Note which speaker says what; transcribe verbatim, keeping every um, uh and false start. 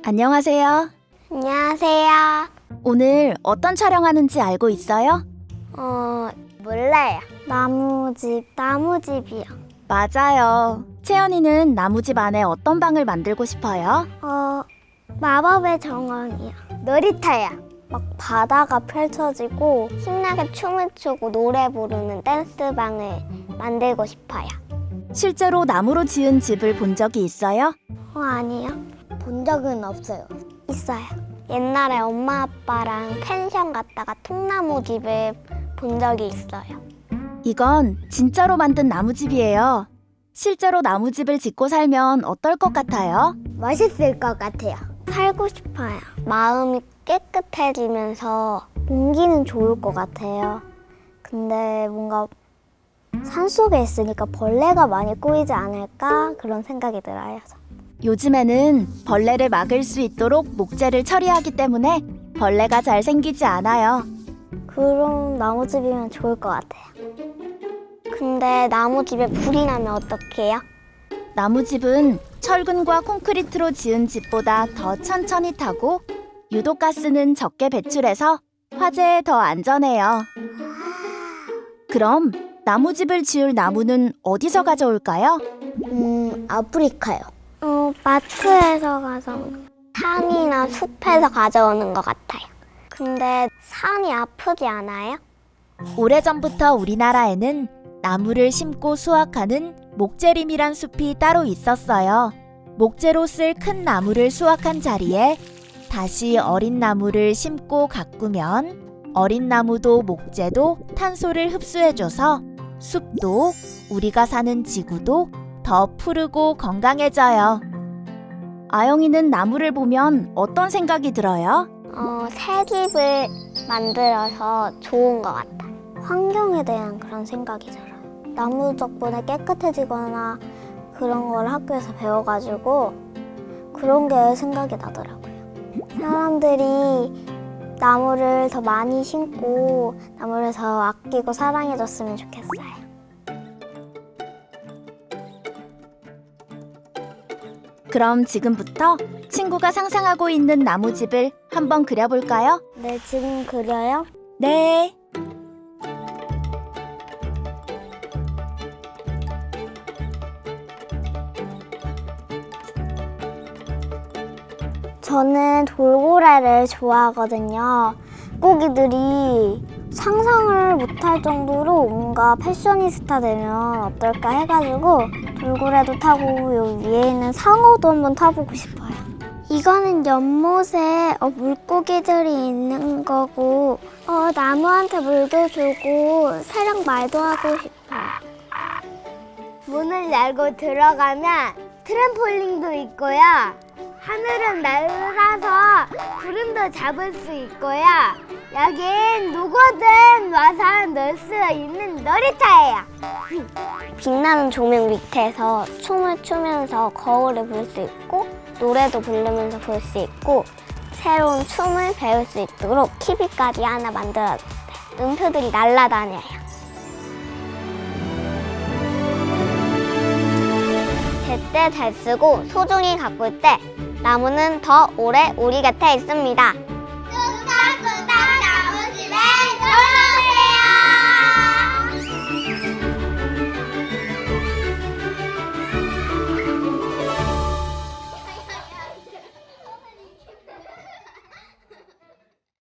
Speaker 1: 안녕하세요.
Speaker 2: 안녕하세요.
Speaker 1: 오늘 어떤 촬영하는지 알고 있어요?
Speaker 2: 어, 몰라요. 나무집, 나무집이요.
Speaker 1: 맞아요. 채연이는 나무집 안에 어떤 방을 만들고 싶어요?
Speaker 2: 어, 마법의 정원이요. 놀이터요. 막 바다가 펼쳐지고 신나게 춤을 추고 노래 부르는 댄스방을 만들고 싶어요.
Speaker 1: 실제로 나무로 지은 집을 본 적이 있어요?
Speaker 2: 어, 아니요. 본 적은 없어요. 있어요. 옛날에 엄마 아빠랑 펜션 갔다가 통나무 집을 본 적이 있어요.
Speaker 1: 이건 진짜로 만든 나무집이에요. 실제로 나무집을 짓고 살면 어떨 것 같아요?
Speaker 2: 멋있을 것 같아요. 살고 싶어요. 마음이 깨끗해지면서 공기는 좋을 것 같아요. 근데 뭔가 산속에 있으니까 벌레가 많이 꼬이지 않을까 그런 생각이 들어요.
Speaker 1: 요즘에는 벌레를 막을 수 있도록 목재를 처리하기 때문에 벌레가 잘 생기지 않아요.
Speaker 2: 그럼 나무집이면 좋을 것 같아요. 근데 나무집에 불이 나면 어떡해요?
Speaker 1: 나무집은 철근과 콘크리트로 지은 집보다 더 천천히 타고 유독가스는 적게 배출해서 화재에 더 안전해요. 그럼 나무집을 지을 나무는 어디서 가져올까요?
Speaker 2: 음, 아프리카요. 어, 마트에서 가서 산이나 숲에서 가져오는 것 같아요. 근데 산이 아프지 않아요?
Speaker 1: 오래전부터 우리나라에는 나무를 심고 수확하는 목재림이란 숲이 따로 있었어요. 목재로 쓸 큰 나무를 수확한 자리에 다시 어린 나무를 심고 가꾸면 어린 나무도 목재도 탄소를 흡수해줘서 숲도 우리가 사는 지구도 더 푸르고 건강해져요. 아영이는 나무를 보면 어떤 생각이 들어요?
Speaker 2: 어, 새 집을 만들어서 좋은 것 같아요. 환경에 대한 그런 생각이 들어요. 나무 덕분에 깨끗해지거나 그런 걸 학교에서 배워가지고 그런 게 생각이 나더라고요. 사람들이 나무를 더 많이 심고 나무를 더 아끼고 사랑해줬으면 좋겠어요.
Speaker 1: 그럼 지금부터 친구가 상상하고 있는 나무집을 한번 그려볼까요?
Speaker 2: 네, 지금 그려요?
Speaker 1: 네.
Speaker 2: 저는 돌고래를 좋아하거든요. 물고기들이 상상을 못할 정도로 뭔가 패셔니스타 되면 어떨까 해가지고 돌고래도 타고 여기 위에 있는 상어도 한번 타보고 싶어요. 이거는 연못에 어, 물고기들이 있는 거고 어, 나무한테 물도 주고 새랑 말도 하고 싶어요. 문을 열고 들어가면 트램폴린도 있고요. 하늘은 날아서 구름도 잡을 수 있고요. 여긴 누구든 와서 놀 수 있는 놀이터예요. 빛나는 조명 밑에서 춤을 추면서 거울을 볼 수 있고 노래도 부르면서 볼 수 있고 새로운 춤을 배울 수 있도록 티비까지 하나 만들어줬어요. 음표들이 날아다녀요. 제때 잘 쓰고 소중히 가꿀 때 나무는 더 오래 우리 곁에 있습니다.